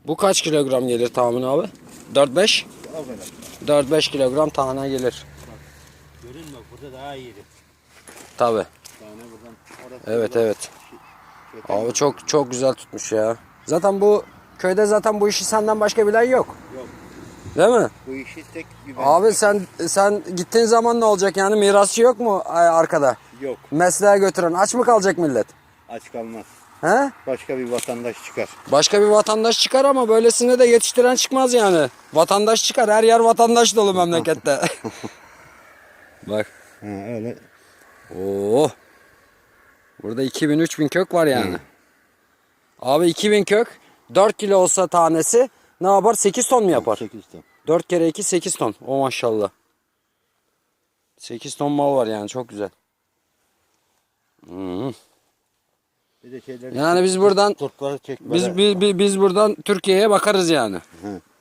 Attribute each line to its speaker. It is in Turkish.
Speaker 1: Bu kaç kilogram gelir tahmin abi? 4-5?
Speaker 2: O kadar.
Speaker 1: 4-5 kilogram tane gelir.
Speaker 2: Görün bak burada daha iyiydi.
Speaker 1: Tabi.
Speaker 2: Tane buradan. Orası
Speaker 1: Evet
Speaker 2: buradan.
Speaker 1: evet. Abi çok güzel tutmuş ya. Zaten bu köyde zaten bu işi senden başka bilen yok.
Speaker 2: Yok.
Speaker 1: Değil mi?
Speaker 2: Bu işi tek bir ben.
Speaker 1: Abi sen gittiğin zaman ne olacak yani, mirasçı yok mu arkada?
Speaker 2: Yok.
Speaker 1: Mesleğe götüren aç mı kalacak millet?
Speaker 2: Aç kalmaz.
Speaker 1: He?
Speaker 2: Başka bir vatandaş çıkar.
Speaker 1: Başka bir vatandaş çıkar ama böylesine de yetiştiren çıkmaz yani. Vatandaş çıkar, her yer vatandaş dolu memlekette. Bak.
Speaker 2: Ha, öyle.
Speaker 1: Oo. Burada 2000-3000 kök var yani. Abi 2000 kök 4 kilo olsa tanesi ne yapar? 8 ton mu yapar?
Speaker 2: 8 ton.
Speaker 1: 4 kere 2 8 ton. O maşallah. 8 ton mal var yani, çok güzel.
Speaker 2: Bir de şeyler.
Speaker 1: Yani biz buradan
Speaker 2: Kurtları çekmeden.
Speaker 1: biz buradan Türkiye'ye bakarız yani.